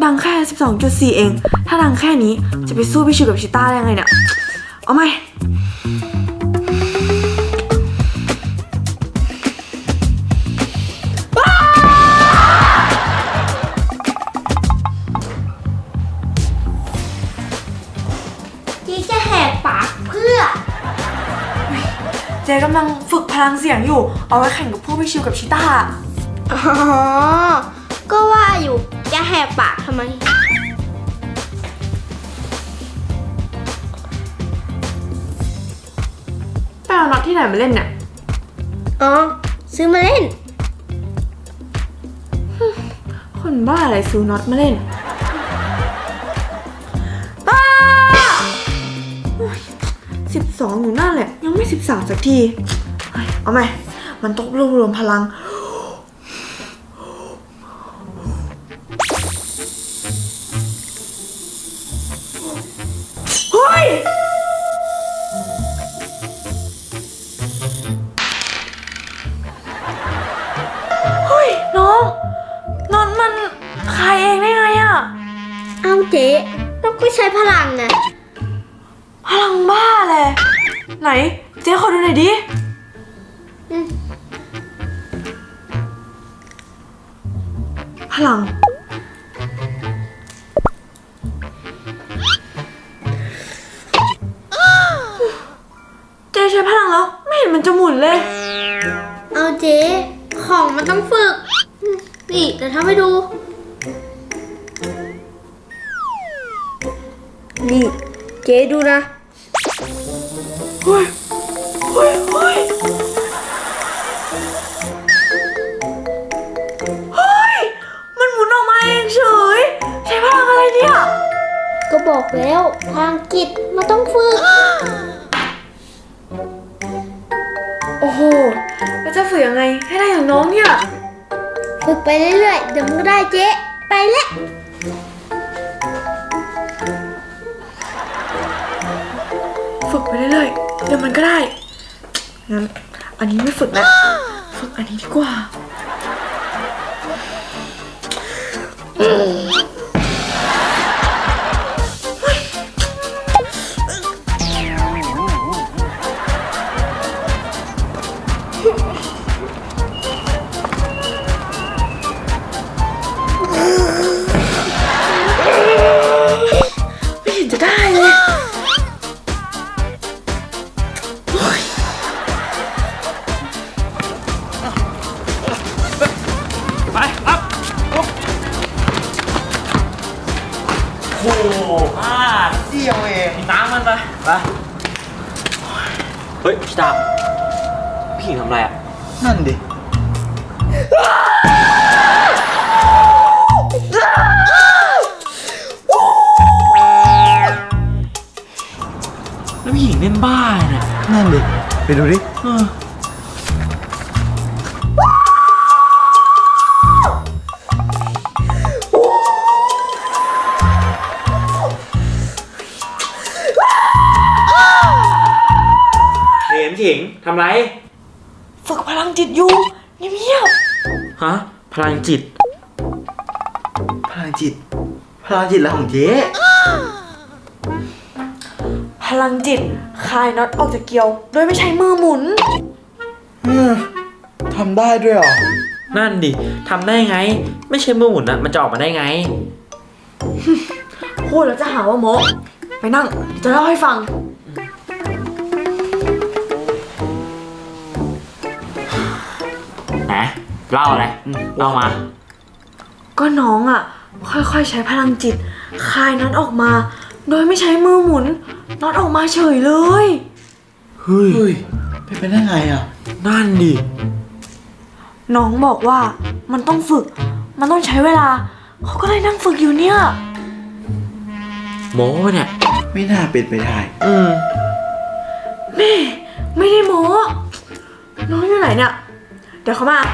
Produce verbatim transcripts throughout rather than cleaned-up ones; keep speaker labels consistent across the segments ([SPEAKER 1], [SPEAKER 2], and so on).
[SPEAKER 1] ดังแค่ สิบสองจุดสี่ เองถ้าดังแค่นี้จะไปสู้พี่ชิวกับชิต้าได้ยังไงเนี่ยเอาไหม
[SPEAKER 2] จีจะแหกปากเพื่อ
[SPEAKER 1] เจ๊กำลังฝึกพลังเสียงอยู่เอาไว้แข่งกับพวกพี่ชิวกับชิต้า
[SPEAKER 2] อ๋อก็ว่าอยู่จะแหกปากทำไม
[SPEAKER 1] ไปเอาน็อตที่ไหนมาเล่นเนี่ย
[SPEAKER 2] อ๋อซื้อมาเล่น
[SPEAKER 1] คนบ้าอะไรซื้อน็อตมาเล่นป้าสิบสองอยู่นั่นแหละยังไม่สิบสามสักทีเอาไหมมันต้องรวบรวมพลังเฮ้ยเฮ้ยน้องนอนมันคายเองได้ไงอะ
[SPEAKER 2] เอาเจ๊เราก็ใช้พลังไง
[SPEAKER 1] พลังบ้าเลยไหนเจ๊ขอดูหน่อยดิพลังเจ๊ใช้พลังแล้วไม่เห็นมันจะหมุนเลย
[SPEAKER 2] เอาเจ๊ของมันต้องฝึกนี่เดี๋ยวทำให้ดูนี่เจ๊ดูนะ
[SPEAKER 1] เฮ้ยเฮ้ยเฮ้ยเฮ้ยมันหมุนออกมาเองเฉยใช้พลังอะไรเนี่ย
[SPEAKER 2] ก็บอกแล้วทางจิตมันต้องฝึก
[SPEAKER 1] โอ้โหแล้วจะฝึกยังไงให้ได้อย่างน้องเนี่ย
[SPEAKER 2] ฝึกไปเรื่อยๆเดี๋ยวมันก็ได้เจ๊ไปแล้ว
[SPEAKER 1] ฝึกไปเรื่อยๆเดี๋ยวมันก็ได้งั้นอันนี้ไม่ฝึกแล้วฝึกอันนี้ดีกว่าไม่เห็นจะได้เลย
[SPEAKER 3] ไปครับโอ้โหอ่าเดียวเองน้ำมันไปไปเฮ้ยชิตาพี่หญิงทำอะไรอ่ะนั่นดิแล้วพี่หญิงเล่นบ้าเนี่ยนั่นดิไปดูดิเออพี่หญิงทำไร
[SPEAKER 1] ฝึกพลังจิตอยู่เงียบ
[SPEAKER 3] ๆฮะพลังจิต
[SPEAKER 4] พลังจิตพลังจิตแล้วของเจ๊
[SPEAKER 1] พลังจิตคลายน็อตออกจากเกลียวโดยไม่ใช้มือหมุน
[SPEAKER 4] อืมทำได้ด้วยเหรอ
[SPEAKER 3] นั่นดิทำได้ไงไม่ใช่มือหมุนอะมันจะออกมาได้ไง
[SPEAKER 1] พูดแล้วจะหาว่าโมไปนั่งจะเล่าให้ฟัง
[SPEAKER 3] นะเล่าอะไรเล่ามา
[SPEAKER 1] ก็น้องอ่ะค่อยๆใช้พลังจิตคลายน็อตออกมาโดยไม่ใช้มือหมุนน็อตออกมาเฉยเลย
[SPEAKER 3] เฮ้ย
[SPEAKER 4] เป็นไปได้ไงอ่ะ
[SPEAKER 3] นั่นดิ
[SPEAKER 1] น้องบอกว่ามันต้องฝึกมันต้องใช้เวลาเขาก็เลยนั่งฝึกอยู่เนี่ย
[SPEAKER 3] โม้เนี่ย
[SPEAKER 4] ไม่น่าเป็นไปได้
[SPEAKER 3] อืม
[SPEAKER 1] แม่ไม่ได้โม้น้องอยู่ไหนเนี่ยเดี๋ยวเขามา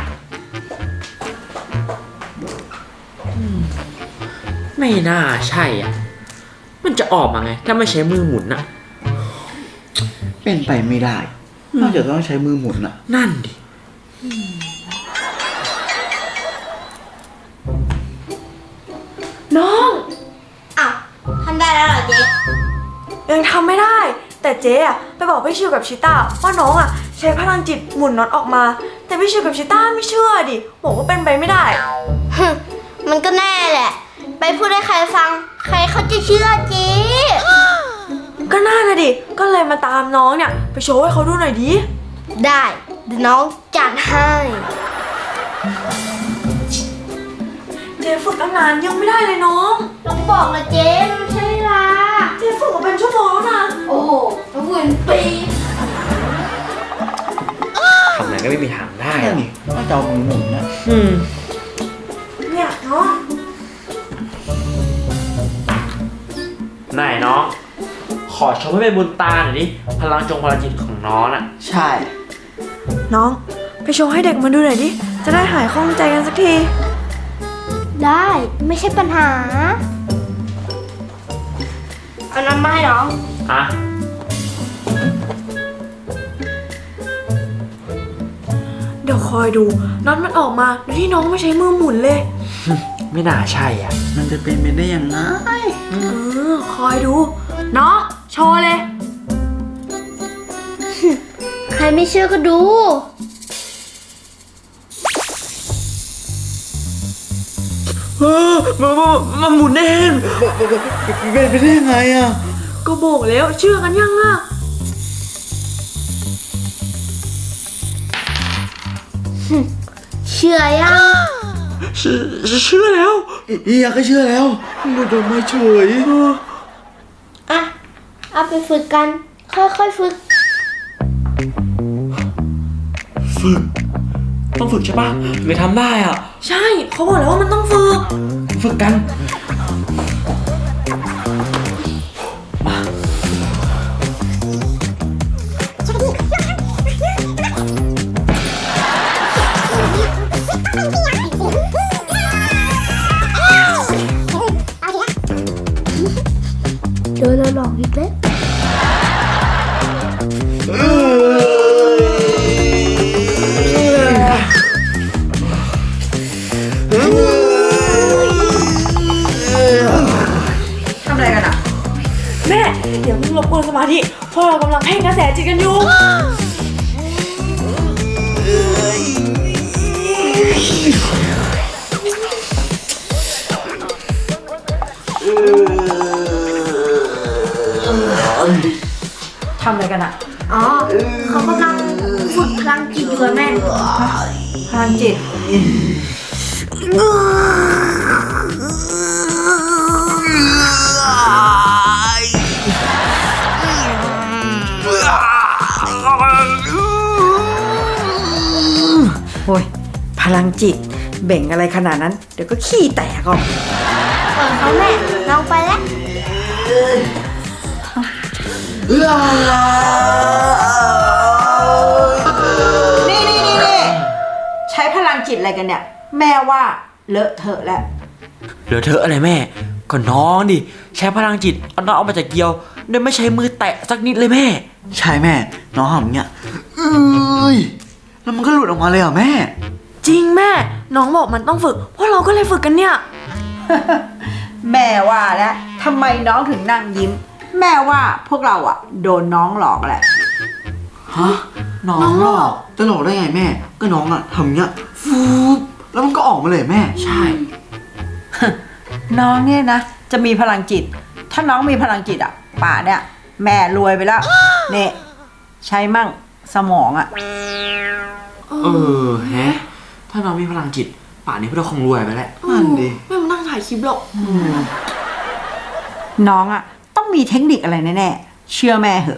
[SPEAKER 3] ไม่น่าใช่อ่ะมันจะออกมาไงถ้าไม่ใช้มือหมุนอ่ะ
[SPEAKER 4] เป็นไปไม่ได้นอกจากต้องใช้มือหมุนอ่ะ
[SPEAKER 3] นั่นดิ
[SPEAKER 1] น้องแต่เจ๊อะไปบอกพี่ชิวกับชิต้าว่าน้องอะใช้พลังจิตหมุนน็อตออกมา แต่พี่ชิวกับชิต้าไม่เชื่อดิบอกว่าเป็นไปไม่ได้
[SPEAKER 2] ฮึมันก็แน่แหละ ไปพูดให้ใครฟัง ใครเขาจะเชื่อเจ๊
[SPEAKER 1] ก็น่านะดิก็เลยมาตามน้องเนี่ยไปโชว์ให้เขาดูหน่อยดิ
[SPEAKER 2] ได้เดี๋ยวน้องจัดให้
[SPEAKER 1] เจ๊ฝึกตั้งนานยังไม่ได้เลยน้อง
[SPEAKER 2] ต้องบอกนะเจ๊ไม่ใช่เวลา
[SPEAKER 1] เจ๊ฝึกมาเป็นชั่วโมงแล้วนะ
[SPEAKER 2] โอ้โหต้องเป็นปี
[SPEAKER 3] ทำไงก็ไม่มีทางได้
[SPEAKER 4] นั่นนี่ว่าจะเอามือหมุนนะ
[SPEAKER 3] อืม
[SPEAKER 1] เนี่ยน้อง
[SPEAKER 3] ไหนน้อง ขอชมให้เป็นบุญตาหน่อยดิพลังจงพลังจิตของน้องน่ะ
[SPEAKER 4] ใช่
[SPEAKER 1] น้องไปโชว์ให้เด็กมาดูหน่อยดิจะได้หายข้องใจกันสักที
[SPEAKER 2] ได้ไม่ใช่ปัญหา เอาน้ำมาให้น้อง
[SPEAKER 3] อ่ะ
[SPEAKER 1] เดี๋ยวคอยดูน็อตมันออกมาโดยที่น้องไม่ใช้มือหมุนเลย
[SPEAKER 3] ไม่น่าใช่อ่ะ
[SPEAKER 4] มันจะเป็นไปได้ยังไง
[SPEAKER 1] เออคอยดูน้องโชว์เลย
[SPEAKER 2] ใครไม่เชื่อก็ดู
[SPEAKER 3] เออมามามาหมุนเอง
[SPEAKER 4] เป็นไปได้ยังไงอ่ะ
[SPEAKER 1] ก็บอกแล้วเชื่อกันยังอะ
[SPEAKER 2] เชื่อยัง
[SPEAKER 3] เชื่อเชื่อแล้ว
[SPEAKER 4] เฮียก็เชื่อแล้วหลุดออกมาเฉย
[SPEAKER 2] อ่ะ เอาไปฝึกกัน ค่อยๆฝึก
[SPEAKER 3] ฝึก ต้องฝึกใช่ปะไม่ทำได้อ่ะ
[SPEAKER 1] ใช่เขาบอกแล้วว่ามันต้องฝึก
[SPEAKER 3] ฝึกกัน
[SPEAKER 2] เจอแล้วหลอกอีกแล้ว
[SPEAKER 1] ทำอะไรกันอะแม่เดี๋ยวมึงรบกวนสมาธิเพราะเรากำลังเพ่งกระแสจิตกันอยู่ ทำอะไรกันอะ
[SPEAKER 2] อ๋อ เขากำลังฝึกพลังจิตอยู่อะแม่
[SPEAKER 1] พลังจิต
[SPEAKER 5] โอ้ยพลังจิตเบ่งอะไรขนาดนั้น เดี๋ยวก็ขี้แตกออก
[SPEAKER 2] เปิดเขาแม่น้องไปแล้ว
[SPEAKER 5] นี่นี่นี่นี่ใช้พลังจิตอะไรกันเนี่ย แม่ว่าเลอะเทอะแล้ว
[SPEAKER 3] เหลือเธออะไรแม่ ก็น้องดิ ใช้พลังจิตเอาน้องออกมาจากเกียวโดยไม่ใช้มือแตะสักนิดเลยแม่
[SPEAKER 4] ใช่แม่ น้องทำอย่างเงี้ยเอ้ยแล้วมันก็หลุดออกมาเลยเหรอแม่
[SPEAKER 1] จริงแม่ น้องบอกมันต้องฝึกพวกเราก็เลยฝึกกันเนี่ย
[SPEAKER 5] แม่ว่าแล้วทำไมน้องถึงนั่งยิ้ม แม่ว่าพวกเราอะโดนน้องหลอกแหละ
[SPEAKER 4] ฮะ น้องหลอกจะหลอกได้ไงแม่ ก็น้องอะทำอย่างเงี้ยฟูบแล้วมันก็ออกมาเลยแม่
[SPEAKER 3] ใช่
[SPEAKER 5] น้องเนี่ยนะ จะมีพลังจิต ถ้าน้องมีพลังจิตอะป่าเนี่ย แม่รวยไปแล้วเนี่ยใช้มั่งสมองอะ
[SPEAKER 3] เออแฮะ ถ้าน้องมีพลังจิต ป่านนี้พวกเราคงรวยไปแล้ว
[SPEAKER 4] นั่นดิ
[SPEAKER 1] ไม่มานั่งถ่ายคลิปหรอก
[SPEAKER 5] น้องอะต้องมีเทคนิคอะไรแน่ๆเชื่อแม่เหอะ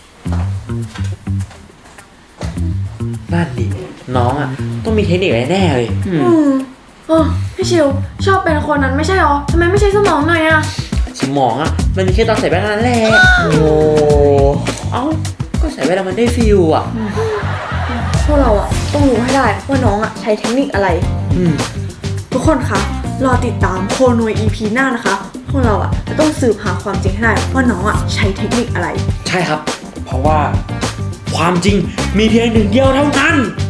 [SPEAKER 3] นั่นดิ น้องอ่ะ ต้องมีเทคนิคอะไรแน่เลย
[SPEAKER 1] อืมเออพี่ชิวชอบเป็นคนนั้นไม่ใช่หรอทำไมไม่ใช้สมองหน่อยอะ
[SPEAKER 3] สมองอ่ะ มันมีแค่ตอนใส่แว่นเท่านั้นแหละ โอ้เอ้า ก็ใส่แว่นแล้วมันได้ฟิลอ่ะ
[SPEAKER 1] พวกเราอะต้องรู้ให้ได้ว่าน้องอะใช้เทคนิคอะไร
[SPEAKER 3] อืม
[SPEAKER 1] ทุกคนคะรอติดตามโคโนย อี พี หน้านะคะ พวกเราอะจะต้องสืบหาความจริงให้ได้ว่าน้องอะใช้เทคนิคอะไร
[SPEAKER 3] ใช่ครับ เพราะว่าความจริงมีเพียงหนึ่งเดียวเท่านั้น